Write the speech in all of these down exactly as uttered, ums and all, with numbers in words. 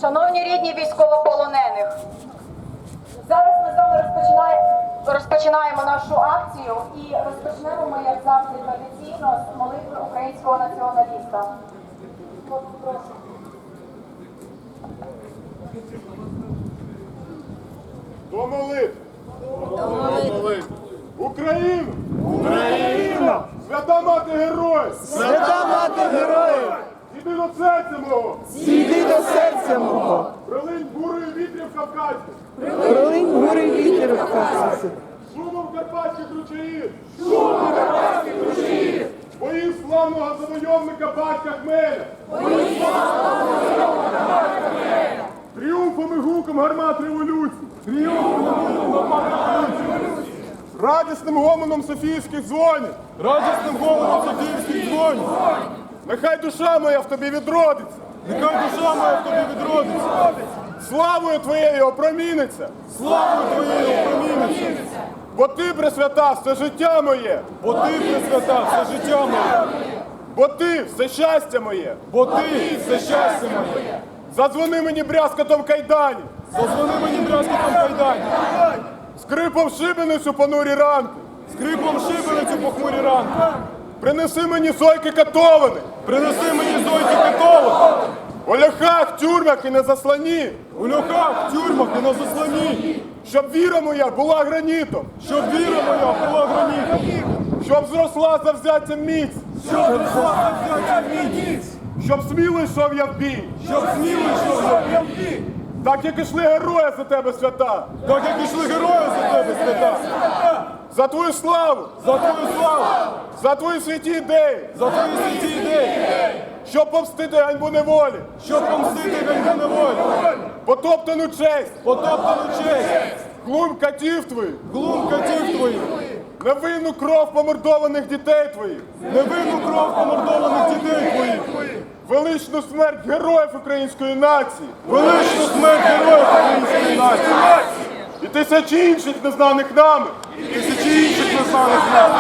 Шановні рідні військовополонених, зараз ми з вами розпочинаємо, розпочинаємо нашу акцію і розпочнемо ми, як завжди, традиційно з молитви українського націоналіста. Прошу. До молитви! До молитви! Україну! Україну! Свята мати героїв! Свята мати героїв! Іди до серця мого! Зійди до серця мого! Прилинь бурою вітрів Кавказьких! Прилинь гури вітер в Кавказі! Шумом карпатських ручаїв! Шумом карпатських ручаїв! Боїв славного завойовника батька Хмеля! Боїв славного завойовника батька Хмеля! Тріумфом і гуком гармат революції! Тріумфом і гуком гармат революції! Радісним гомоном Софійських дзвонів! Радісним гомоном Софійських дзвонів! Нехай душа моя в тобі відродиться! Нехай душа моя в тобі відродиться! Славою твоєю опроміниться! Славою твоєю опроміниться! Бо ти, Пресвята, все життя моє! Бо ти, Пресвята, все життя моє! Бо ти, все щастя моє! Бо ти, все щастя моє! Задзвони мені брязкотом кайданів! Задзвони мені брязкотом кайданів! Скрипом шибеницю понурі ранки! Скрипом шибеницю похмурі ранки! Принеси мені зойки катовані! Принеси мені зойки катовані! У льохах, тюрмах і на заслані! У льохах, тюрмах і на заслані! Щоб віра моя була гранітом! Щоб віра моя була гранітом! Щоб зросла завзяттям міць! Щоб зросла завзяттям міць! Щоб сміло йшов я в бій! Щоб сміло йшов я в бій! Так як ішли герої за тебе, свята! Так як ішли герої за тебе, свята! За твою славу! За твою славу! За твої святі ідеї! За твої святі ідеї! Щоб помстити ганьбу неволі! Щоб помстити ганьбу неволі! Потоптану честь! Потоптану честь! Глум катів твоїх! Глум катів твоїх! Невинну кров помордованих дітей твоїх! Невинну кров помордованих дітей твоїх! Величну смерть героїв української нації! Величну смерть героїв української нації! І тисячі інших незнаних нами! І тисячі інших незнаних нами!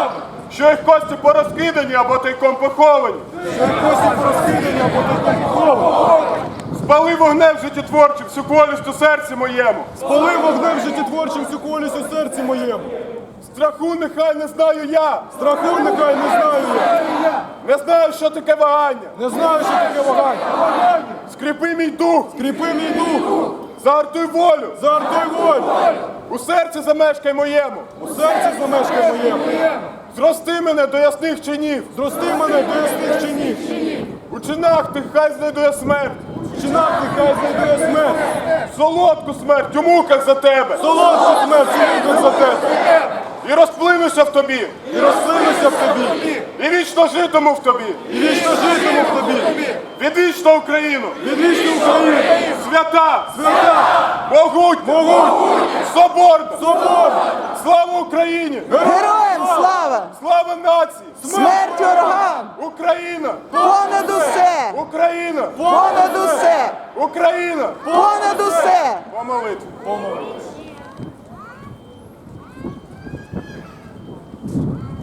Що їх кості порозкидані або тайком поховані! Що їх кості порозкидані або тайком поховані! Спали вогнем життєтворчим всю колість у серці моєму! Спали вогнем життєтворчим всю колість у серці моєму! Страху нехай не знаю я! Страху нехай не знаю я! Не знаю, що таке вагання! Не знаю, що таке вагання! Скріпи мій дух! Скріпи мій дух! Загартуй волю! Загартуй волю! У серці замешкай моєму! У серці замешкай моєму! Зрости мене до ясних чинів! Зрости мене до ясних чинів! У чинах тих хай знайду я смерть! У чинах тих хай знайду я смерть! Солодку смерть у муках за тебе! Солодку смерть у муках за тебе! І розплинуся в тобі! І розплинуся в тобі! І вічно житиму в тобі! І вічно житиму в тобі! Відвічну Україну! Відвічну Україну! Свята! Свята! Могутня! Могутня! Соборна! Соборна! Слава Україні! Героям слава! Слава нації! Смерть ворогам! Україна! Понад усе! Україна! Понад усе! Україна! Понад усе! По молитві! По молитві!